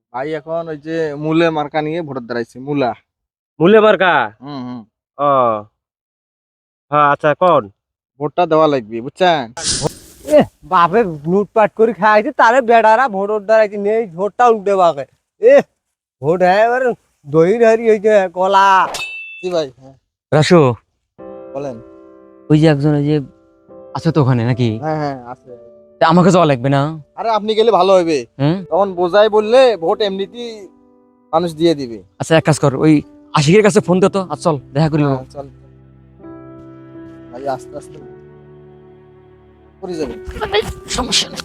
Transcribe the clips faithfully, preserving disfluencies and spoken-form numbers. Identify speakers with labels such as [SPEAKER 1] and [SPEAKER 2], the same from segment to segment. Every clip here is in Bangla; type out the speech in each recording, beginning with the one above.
[SPEAKER 1] ভাই এখন ওই যে মূলে মার্কা নিয়ে ভোট দাঁড়াইছে মূলা।
[SPEAKER 2] মূলে মার্কা।
[SPEAKER 1] হুম হুম
[SPEAKER 2] ও হ্যাঁ, আচ্ছা কোন
[SPEAKER 1] ভোটটা দেওয়া লাগবে বুঝছেন।
[SPEAKER 3] এ বাপে লুটপাট করে খাইছে তারে বেড়ারা ভোট দাঁড়াইছে নেই ভোটটা উল্টে বাকে এ ভোট হ্যাঁ এবার দই হারি হয়েছে কলা।
[SPEAKER 1] জি ভাই, হ্যাঁ
[SPEAKER 4] রাসু,
[SPEAKER 1] বলেন।
[SPEAKER 4] ওই যে একজন ওই যে আছে তো ওখানে নাকি?
[SPEAKER 1] হ্যাঁ হ্যাঁ আছে।
[SPEAKER 4] তা আমাকে যাওয়া লাগবে না?
[SPEAKER 1] আরে আপনি গেলে ভালো হবে,
[SPEAKER 4] হুম,
[SPEAKER 1] তখন বোঝাই বললে ভোট এমনিতেই মানুষ দিয়ে দিবে।
[SPEAKER 4] আচ্ছা এক কাজ কর, ওই আশিকের কাছে ফোন দে তো, আর চল দেখা করি।
[SPEAKER 1] হ্যাঁ, চল ভাই আস্তে আস্তে করে যাবে।
[SPEAKER 4] সমস্যা নেই।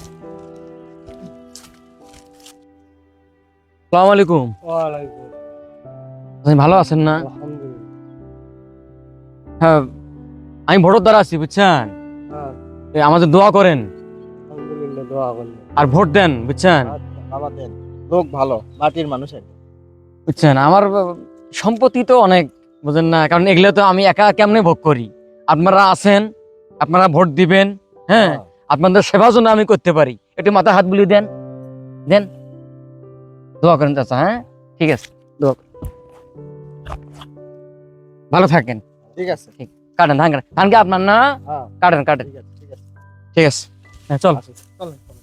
[SPEAKER 4] আসসালামু আলাইকুম।
[SPEAKER 3] ওয়ালাইকুম
[SPEAKER 4] আপনি ভালো আছেন না?
[SPEAKER 3] আলহামদুলিল্লাহ।
[SPEAKER 4] হ্যাঁ, আমি ভোটের দ্বারা আছি বুঝছেন।
[SPEAKER 3] হ্যাঁ
[SPEAKER 4] এই আমাদের দোয়া করেন
[SPEAKER 3] আলহামদুলিল্লাহ দোয়া করলে
[SPEAKER 4] আর ভোট দেন বুঝছেন।
[SPEAKER 1] আচ্ছা, বাবা দেন, লোক ভালো, মাটির মানুষ আর কি।
[SPEAKER 4] বুঝছেন আমার সম্পত্তি তো অনেক, বুঝেন না, কারণ এগুলো তো আমি একা কেমনে ভোগ করি। আপনারা আছেন, আপনারা ভোট দিবেন, হ্যাঁ আপনাদের সেবার জন্য আমি করতে পারি। একটু মাথা হাত বুলিয়ে দেন, দেন দোয়া করেন চাচা। হ্যাঁ ঠিক আছে, দোয়া করেন। ভালো থাকেন।
[SPEAKER 1] ঠিক আছে,
[SPEAKER 4] কাটেন ধান, কাটেন ধান কি আপনার না?
[SPEAKER 1] হ্যাঁ
[SPEAKER 4] কাটেন কাটেন,
[SPEAKER 1] ঠিক আছে ঠিক আছে।
[SPEAKER 4] ঠিক আছে। হ্যাঁ চল।
[SPEAKER 1] আচ্ছা, চলেন, চলেন।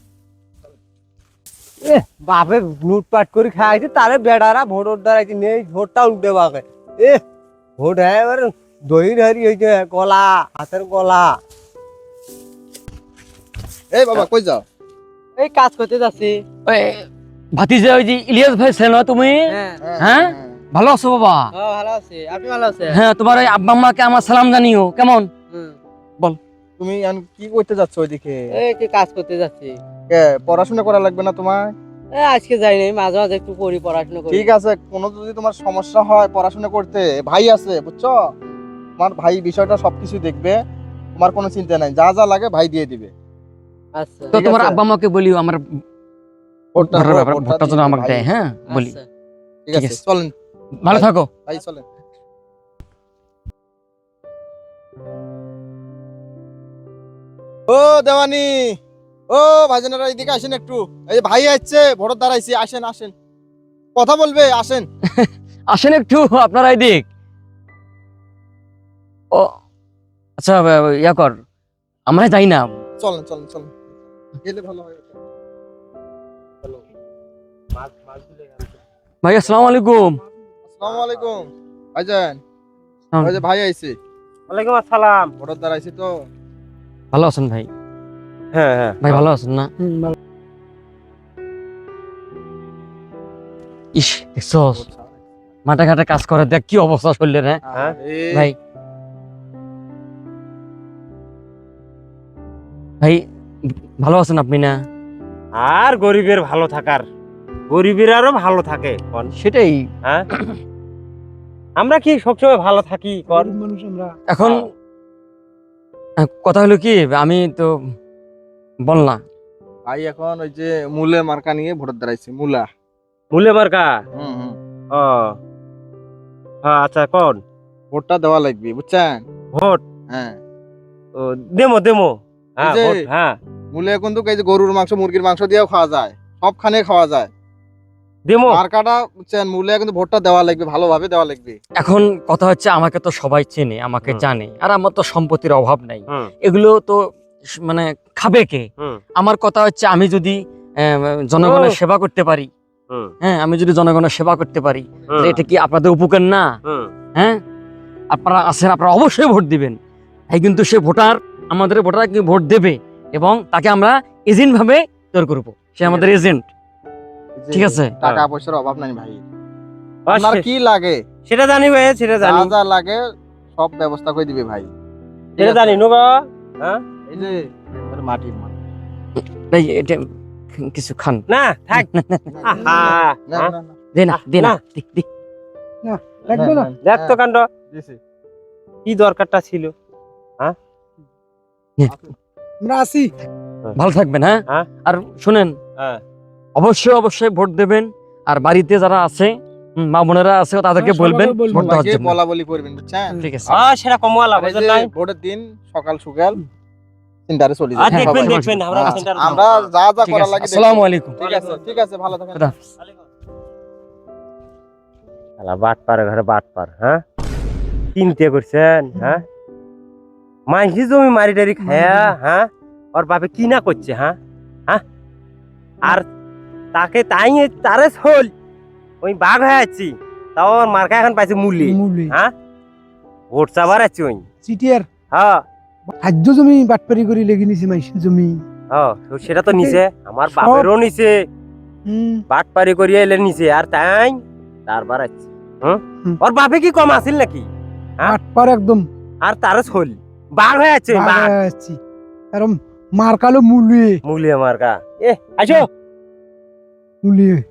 [SPEAKER 3] এ বাপে লুটপাট করে খাইছে তারে বেড়ারা ভোট দাঁড়াইছে নেই ভোটটা উল্টে বাকে এ ভোট হ্যাঁ এবার দই হারি হয়েছে কলা হাতের কলা।
[SPEAKER 1] এই বাবা কই যাও?
[SPEAKER 3] এই কাজ করতে যাচ্ছি।
[SPEAKER 4] ওই ভাতিজা, ওই যে ইলিয়াস ভাই ছিল না তুমি?
[SPEAKER 3] হ্যাঁ
[SPEAKER 4] হ্যাঁ ভালো আছো বাবা?
[SPEAKER 3] হ্যাঁ ভালো আছি, আপনি ভালো আছেন?
[SPEAKER 4] হ্যাঁ, তোমার ওই আব্বা আম্মাকে আমার সালাম জানিও। কেমন?
[SPEAKER 1] তুমি এখন কি করতে যাচ্ছ ওইদিকে?
[SPEAKER 3] এই কি কাজ করতে যাচ্ছি।
[SPEAKER 1] কে, পড়াশোনা করা লাগবে না তোমার?
[SPEAKER 3] এই আজকে যাই নাই, মাঝে মাঝে একটু পড়ি, পড়াশোনা করি।
[SPEAKER 1] ঠিক আছে, কোনো যদি তোমার সমস্যা হয় পড়াশোনা করতে, ভাই আছে বুঝছো, তোমার ভাই বিষয়টা সবকিছু দেখবে, তোমার কোনো চিন্তা নাই, যা যা লাগে ভাই দিয়ে দিবে।
[SPEAKER 3] আচ্ছা
[SPEAKER 4] তো
[SPEAKER 1] ঠিক
[SPEAKER 4] তোমার
[SPEAKER 1] আছে।
[SPEAKER 4] আব্বা আম্মাকে বলিও আমার
[SPEAKER 1] ভোটটা
[SPEAKER 4] ভোটের ব্যাপারে,
[SPEAKER 1] ভোটটা
[SPEAKER 4] ভোটটা যেন
[SPEAKER 1] দিয়ে
[SPEAKER 4] আমাকে
[SPEAKER 1] ভাই।
[SPEAKER 4] দেয়। হ্যাঁ বলি।
[SPEAKER 3] আচ্ছা।
[SPEAKER 1] ঠিক
[SPEAKER 4] ঠিক
[SPEAKER 1] আছে,
[SPEAKER 4] আছে।
[SPEAKER 1] চলেন
[SPEAKER 4] ভালো
[SPEAKER 1] ভাই।
[SPEAKER 4] থাকো।
[SPEAKER 1] ভাই চলেন। ও দেওয়ানি, ও ভাইজানেরা এদিকে আসেন একটু। এই যে ভাই আসছে, ভোট দাঁড়াইছি, আসেন আসেন, কথা বলবে, আসেন।
[SPEAKER 4] আসেন একটু আপনারা এদিক। ও আচ্ছা, ইয়া কর, আমরা যাই না।
[SPEAKER 1] চলেন চলেন চলেন, গেলে ভালো হয়। চলো।
[SPEAKER 4] ভাই আসসালামু আলাইকুম।
[SPEAKER 1] আসসালামু আলাইকুম ভাইজান। ওই যে ভাই আইছে,
[SPEAKER 2] ওয়ালাইকুম আসসালাম।
[SPEAKER 1] ভোট দাঁড়াইছি তো।
[SPEAKER 4] ভালো আছেন ভাই?
[SPEAKER 2] হ্যাঁ হ্যাঁ
[SPEAKER 4] ভাই ভালো আছেন না? ইস দেখছস, মাঠে ঘাটে কাজ করে, দেখ কি অবস্থা শরীরের। হ্যাঁ
[SPEAKER 2] হ্যাঁ?
[SPEAKER 1] এই,
[SPEAKER 4] ভাই, ভাই ভালো আছেন আপনি না?
[SPEAKER 2] আর গরিবের ভালো থাকার, গরিবের আরো ভালো থাকে কোন।
[SPEAKER 4] সেটাই
[SPEAKER 2] হ্যাঁ, আমরা কি সবসময় ভালো থাকি কোন?
[SPEAKER 4] এখন আহ, কথা হলো কি, আমি তো বললাম
[SPEAKER 1] ভাই এখন ওই যে মূলে মার্কা নিয়ে ভোট দাঁড়াইছে মূলা।
[SPEAKER 2] মূলে মার্কা।
[SPEAKER 1] হুম হুম
[SPEAKER 2] ও হ্যাঁ, আচ্ছা কোন
[SPEAKER 1] ভোটটা দেওয়া লাগবে বুঝছেন।
[SPEAKER 2] ভোট।
[SPEAKER 1] হ্যাঁ,
[SPEAKER 2] ও দেমো দেমো। হ্যাঁ
[SPEAKER 1] এই যে
[SPEAKER 2] ভোট, হ্যাঁ
[SPEAKER 1] মূলে কিন্তু এই যে গরুর মাংস, মুরগির মাংস দিয়েও খাওয়া যায়, সবখানে খাওয়া যায়।
[SPEAKER 2] দেমো।
[SPEAKER 1] মার্কাটা বুঝছেন, মূলে কিন্তু ভোটটা দেওয়া লাগবে, ভালোভাবে দেওয়া লাগবে।
[SPEAKER 4] এখন কথা হচ্ছে, আমাকে তো সবাই চেনে, আমাকে
[SPEAKER 2] হুম।
[SPEAKER 4] জানে, আর আমার তো সম্পত্তির অভাব নাই।
[SPEAKER 2] হুম
[SPEAKER 4] এগুলো তো স- মানে খাবে কে?
[SPEAKER 2] হুম
[SPEAKER 4] আমার কথা হচ্ছে, আমি যদি আহ, জনগণের
[SPEAKER 2] ও।
[SPEAKER 4] সেবা করতে পারি,
[SPEAKER 2] হুম
[SPEAKER 4] হ্যাঁ আমি যদি জনগণের সেবা করতে পারি,
[SPEAKER 2] হুম,
[SPEAKER 4] তাহলে এটা কি আপনাদের উপকার না?
[SPEAKER 2] হুম।
[SPEAKER 4] হ্যাঁ, আপনারা আছেন, আপনারা অবশ্যই ভোট দিবেন। তাই কিন্তু সে ভোটার, আমাদের ভোটার কিন্তু ভোট দেবে, এবং তাকে আমরা এজেন্ট ভাবে তৈরি করবো। সে আমাদের এজেন্ট।
[SPEAKER 1] এই যে
[SPEAKER 4] ঠিক আছে।
[SPEAKER 1] টাকা
[SPEAKER 2] হ্যাঁ।
[SPEAKER 1] পয়সার অভাব নাই ভাই,
[SPEAKER 2] আর
[SPEAKER 1] আপনার
[SPEAKER 2] সে-
[SPEAKER 1] কি লাগে
[SPEAKER 2] সেটা জানি ভাই, সেটা
[SPEAKER 1] যা
[SPEAKER 2] জানি,
[SPEAKER 1] যা লাগে সব ব্যবস্থা করে দিবে ভাই। ঠিক
[SPEAKER 2] সেটা
[SPEAKER 1] আছে?
[SPEAKER 2] জানি নো বাবা। হ্যাঁ
[SPEAKER 1] এই যে এবার মাটির মানুষ।
[SPEAKER 4] ভাই এটা কিছু খান।
[SPEAKER 2] না থাক। আহা,
[SPEAKER 1] না,
[SPEAKER 2] হ্যাঁ?
[SPEAKER 1] না, না,
[SPEAKER 4] দে না, দে না,
[SPEAKER 2] না।
[SPEAKER 4] দি, দি।
[SPEAKER 3] লাগবে না?
[SPEAKER 2] দেখ তো কাণ্ড,
[SPEAKER 1] দিছি।
[SPEAKER 2] কি দরকারটা ছিল।
[SPEAKER 3] আমরা আছি।
[SPEAKER 4] ভালো থাকবেন। হ্যাঁ,
[SPEAKER 2] হ্যাঁ।
[SPEAKER 4] আর শুনেন,
[SPEAKER 2] হ্যাঁ
[SPEAKER 4] অবশ্যই অবশ্যই ভোট দেবেন। আর বাড়িতে যারা আছে, হুম, মা বোনেরা আছে, তাদেরকে
[SPEAKER 3] হ্যাঁ,
[SPEAKER 4] বলবেন
[SPEAKER 3] সবাইকে বলবো।
[SPEAKER 4] ভোট দেওয়ার
[SPEAKER 1] সবাইকে
[SPEAKER 4] জন্য।
[SPEAKER 1] বলা বলি করবেন বুঝছেন।
[SPEAKER 4] ঠিক আছে।
[SPEAKER 2] আ সেটা কমওয়ালা
[SPEAKER 1] আর এই
[SPEAKER 2] বুঝেন
[SPEAKER 1] যে
[SPEAKER 2] নাই।
[SPEAKER 1] ভোটের দিন সকাল সকাল সেন্টারে চলে
[SPEAKER 2] আর
[SPEAKER 1] যাবেন
[SPEAKER 2] দেখবেন
[SPEAKER 1] সবাই।
[SPEAKER 2] দেখবেন আমরা
[SPEAKER 1] হ্যাঁ,
[SPEAKER 2] সেন্টার
[SPEAKER 1] আমরা যা যা
[SPEAKER 4] ঠিক
[SPEAKER 1] করার
[SPEAKER 4] আছে,
[SPEAKER 1] লাগে
[SPEAKER 4] আসসালামু
[SPEAKER 1] দেখবো।
[SPEAKER 4] আলাইকুম।
[SPEAKER 1] ঠিক আছে ঠিক আছে, ভালো থাকেন।
[SPEAKER 4] খুদা হাফেজ।
[SPEAKER 3] শালা বাট পারে ঘরে বাট পার, হ্যাঁ চিন্তা করছেন, হ্যাঁ মাইসি জমি মারি টারি খায়া, হ্যাঁ ওর বাপে কি না করছে, হ্যাঁ হ্যাঁ আর তাকে তাই তারে হল ওই বাঘ হয়ে আছি, তাও ওর মার্কা এখন পাইছে মুলি,
[SPEAKER 5] মুলি
[SPEAKER 3] হ্যাঁ ভোট চাবার আছি ওই,
[SPEAKER 5] চিটিয়ার
[SPEAKER 3] হ্যাঁ
[SPEAKER 5] খাদ্য জমি বাটপারি করে লেগে নিছে মাইসের জমি।
[SPEAKER 3] হ্যাঁ তো সেটা তো নিছে, আমার বাপেরও নিছে,
[SPEAKER 5] হুম
[SPEAKER 3] বাট পারি করিয়া এলে নিছে, আর তাই তারবার আছে, হ্যাঁ
[SPEAKER 5] হুম।
[SPEAKER 3] ওর বাপে কি কম আছিল নাকি, হ্যাঁ?
[SPEAKER 5] বাটপার একদম
[SPEAKER 3] আর তারে হল বাঘ হয়ে আছে, বাঘ
[SPEAKER 5] আসছি আর মার্কালো মুলি
[SPEAKER 3] মুলি মার্কা, এ আসো
[SPEAKER 5] মুলি